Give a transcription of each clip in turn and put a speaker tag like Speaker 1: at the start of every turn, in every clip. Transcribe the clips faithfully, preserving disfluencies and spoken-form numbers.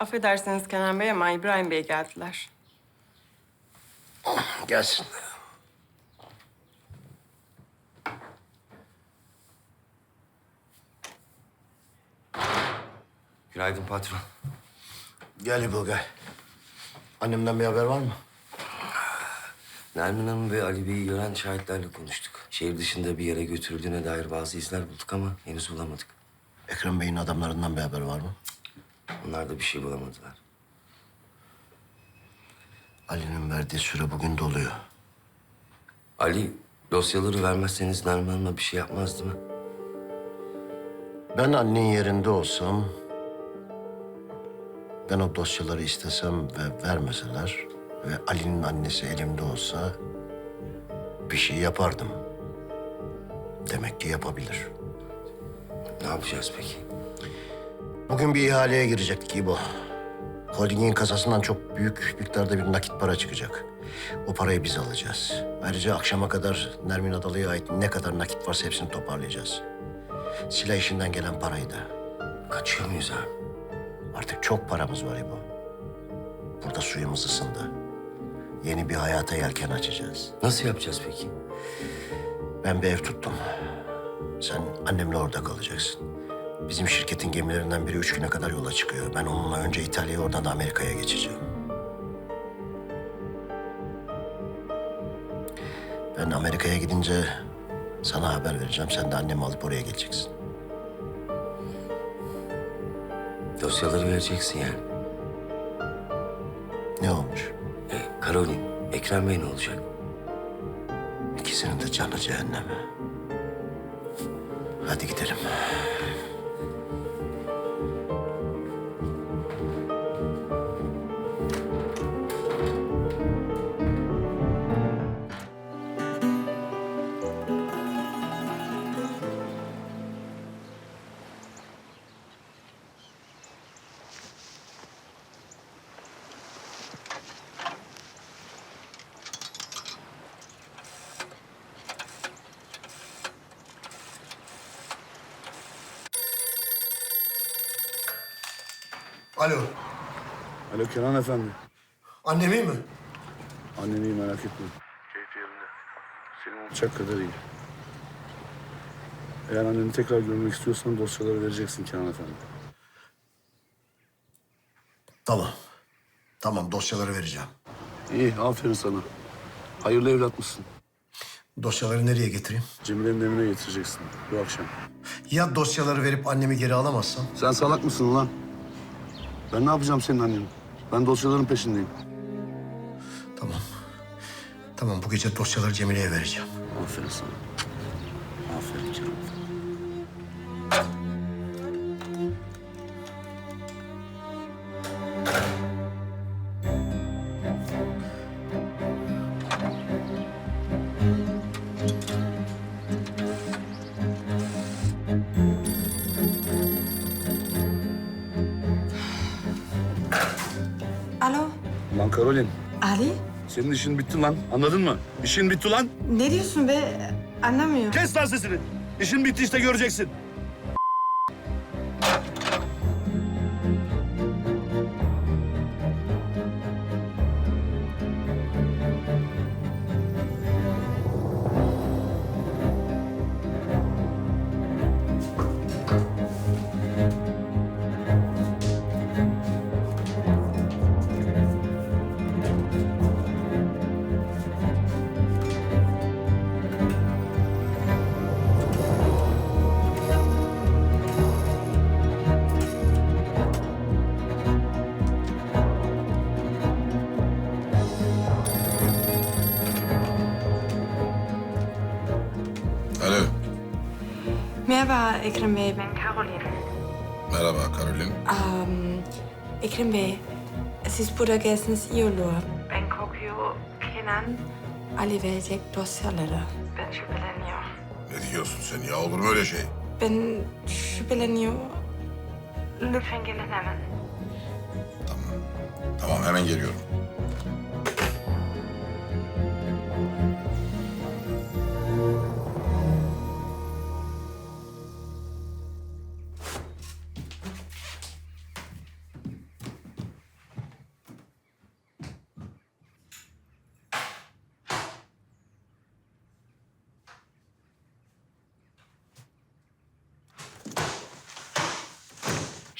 Speaker 1: Affedersiniz Kenan Bey ama İbrahim Bey geldiler.
Speaker 2: Gelsin.
Speaker 3: Günaydın patron.
Speaker 2: Gel İbo gel. Annemden bir haber var mı?
Speaker 3: Nermin Hanım ve Ali Bey'i gören şahitlerle konuştuk. Şehir dışında bir yere götürüldüğüne dair bazı izler bulduk ama henüz bulamadık.
Speaker 2: Ekrem Bey'in adamlarından bir haber var mı?
Speaker 3: Onlar da bir şey bulamadılar.
Speaker 2: Ali'nin verdiği süre bugün doluyor.
Speaker 3: Ali, dosyaları vermezseniz Nermin Hanım'a bir şey yapmaz değil mi?
Speaker 2: Ben annenin yerinde olsam... ben o dosyaları istesem ve vermeseler... ve Ali'nin annesi elimde olsa... bir şey yapardım. Demek ki yapabilir.
Speaker 3: Ne yapacağız peki?
Speaker 2: Bugün bir ihaleye girecektik İbo. Holdingin kasasından çok büyük miktarda bir nakit para çıkacak. O parayı biz alacağız. Ayrıca akşama kadar Nermin Adalı'ya ait ne kadar nakit varsa hepsini toparlayacağız. Silah işinden gelen parayı da.
Speaker 3: Kaçıyor muyuz abi?
Speaker 2: Artık çok paramız var İbo. Burada suyumuz ısındı. Yeni bir hayata yelken açacağız.
Speaker 3: Nasıl yapacağız peki?
Speaker 2: Ben bir ev tuttum. Sen annemle orada kalacaksın. Bizim şirketin gemilerinden biri üç güne kadar yola çıkıyor. Ben onunla önce İtalya'ya, oradan da Amerika'ya geçeceğim. Ben Amerika'ya gidince sana haber vereceğim. Sen de annemi alıp oraya geleceksin.
Speaker 3: Dosyaları vereceksin yani.
Speaker 2: Ne olmuş?
Speaker 3: E, Karolin, Ekrem Bey ne olacak?
Speaker 2: İkisinin de canı cehenneme. Hadi gidelim. Alo.
Speaker 4: Alo Kenan Efendi.
Speaker 2: Annem iyi mi?
Speaker 4: Annen iyi merak etme. Keyfi yerinde. Senin olacak kadar iyi. Eğer anneni tekrar görmek istiyorsan dosyaları vereceksin Kenan Efendi.
Speaker 2: Tamam. Tamam, dosyaları vereceğim.
Speaker 4: İyi, aferin sana. Hayırlı evlat mısın?
Speaker 2: Dosyaları nereye getireyim?
Speaker 4: Cemile'nin evine getireceksin bu akşam.
Speaker 2: Ya dosyaları verip annemi geri alamazsam?
Speaker 4: Sen salak mısın ulan? Ben ne yapacağım senin anneni? Ben dosyaların peşindeyim.
Speaker 2: Tamam. Tamam, bu gece dosyaları Cemile'ye vereceğim.
Speaker 4: Aferin sana. Aferin Kenan Efendi.
Speaker 5: Alo,
Speaker 4: Lan Karolin,
Speaker 5: Ali?
Speaker 4: senin işin bitti lan. Anladın mı? İşin bitti lan.
Speaker 5: Ne diyorsun be? Anlamıyorum.
Speaker 4: Kes lan sesini. İşin bitti işte göreceksin.
Speaker 6: Alo.
Speaker 5: Merhaba Ekrem Bey, ben Caroline.
Speaker 6: Merhaba Karolin.
Speaker 5: Um, Ekrem Bey, siz burada gelsiniz iyi olur. Ben korkuyor, Kenan Ali verecek dosyaları. Ben şüpheleniyor.
Speaker 6: Ne diyorsun sen ya? Olur mu öyle şey?
Speaker 5: Ben şüpheleniyor. Lütfen gelin hemen.
Speaker 6: Tamam. Tamam hemen geliyorum.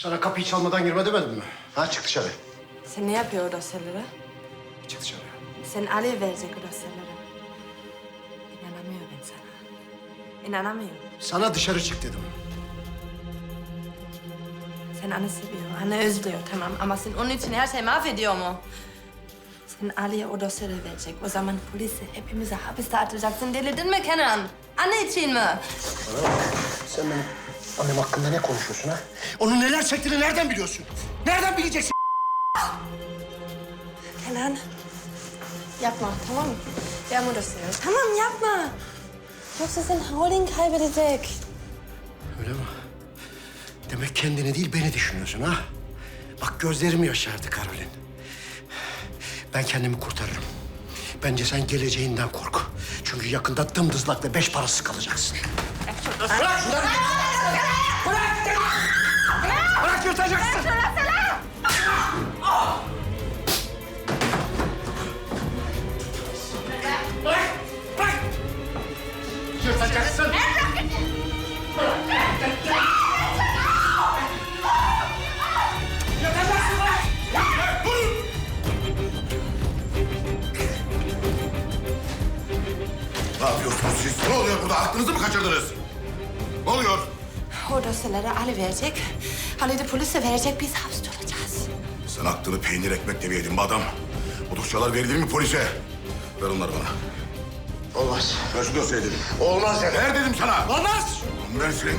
Speaker 2: Sana kapıyı çalmadan girme demedim mi? Ha çık dışarı.
Speaker 5: Sen ne yapıyor o dosyaları?
Speaker 2: Çık dışarı.
Speaker 5: Sen Ali verecek o dosyaları. İnanamıyorum ben sana. İnanamıyorum.
Speaker 2: Sana dışarı çık dedim.
Speaker 5: Sen anne seviyor, anne özlüyor tamam ama sen onun için her şeyi mahvediyor mu? Sen Ali'ye o dosyaları verecek. O zaman polisi hepimize hapiste atacaksın. Delirdin mi Kenan? Anne için mi?
Speaker 2: Bana bak. Sen benim annem hakkında ne konuşuyorsun ha? Onun neler çektiğini nereden biliyorsun? Nereden bileceksin?
Speaker 5: Kenan, yapma tamam mı? Verme o dosyaları. Tamam yapma. Yoksa sen holding kaybedecek.
Speaker 2: Öyle mi? Demek kendini değil beni düşünüyorsun ha? Bak gözlerim yaşardı Karolin. Ben kendimi kurtarırım. Bence sen geleceğinden kork. Çünkü yakında dımdızlak ve beş parası kalacaksın. Bırak şunları! Bırak! Bırak yırtacaksın! Bırak! Bırak! Yırtacaksın! Yırtacaksın bırak!
Speaker 6: Ne yapıyorsunuz siz? Ne oluyor burada? Aklınızı mı kaçırdınız? Ne oluyor?
Speaker 5: O dosyaları Ali verecek. Ali de polise verecek. Biz hapiste olacağız.
Speaker 6: Sen aklını peynir ekmekle bir yedin be adam. Bu dosyalar verilir mi polise? Ver onları bana.
Speaker 2: Olmaz.
Speaker 6: Ver şu dosyayı dedim.
Speaker 2: Olmaz dedim.
Speaker 6: Ver dedim sana.
Speaker 2: Olmaz!
Speaker 6: Ver silin.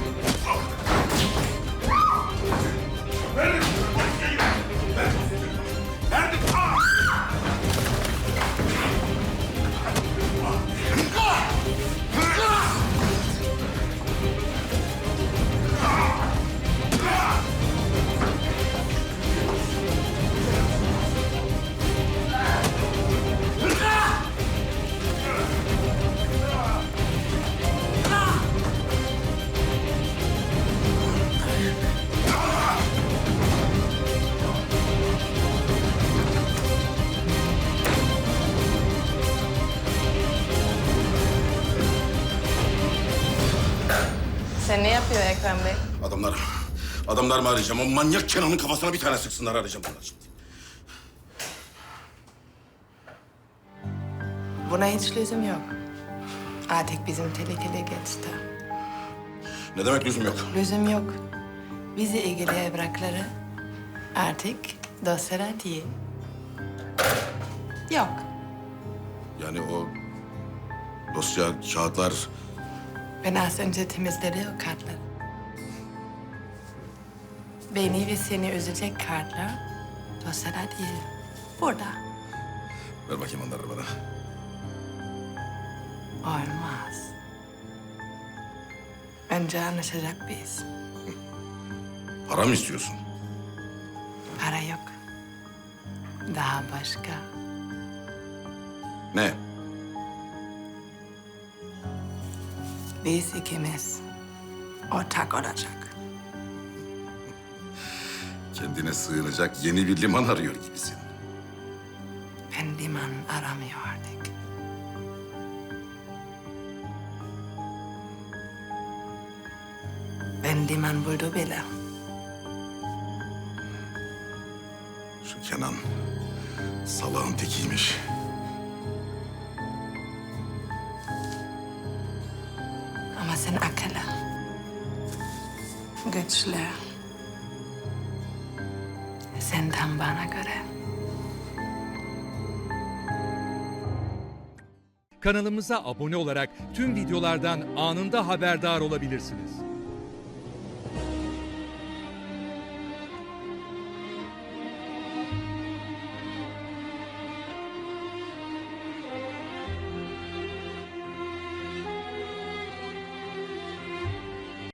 Speaker 1: Sen ne yapıyor Ekrem Bey?
Speaker 6: Adamlar, adamlar mı arayacağım? O manyak Kenan'ın kafasına bir tane sıksınlar arayacağım bunlar şimdi.
Speaker 1: Buna hiç lüzum yok. Artık bizim tehlikeli geçti.
Speaker 6: Ne demek lüzum yok?
Speaker 1: Lüzum yok. Bizi ilgili evrakları artık dosyalar değil. Yok.
Speaker 6: Yani o dosya, kağıtlar...
Speaker 1: Ben az önce temizledim o kartları. Beni ve seni üzecek kartlar dosyalar değil. Burada.
Speaker 6: Ver bakayım onları bana.
Speaker 1: Olmaz. Önce anlaşacak biz.
Speaker 6: Para mı istiyorsun?
Speaker 1: Para yok. Daha başka.
Speaker 6: Ne?
Speaker 1: Biz ikimiz ortak olacak.
Speaker 6: Kendine sığınacak yeni bir liman arıyor gibisin.
Speaker 1: Ben liman aramıyor artık. Ben liman buldu bile.
Speaker 6: Şu Kenan salağın tekiymiş.
Speaker 1: Ama sen akıllı. Güçlü. Sen tam bana göre.
Speaker 7: Kanalımıza abone olarak tüm videolardan anında haberdar olabilirsiniz.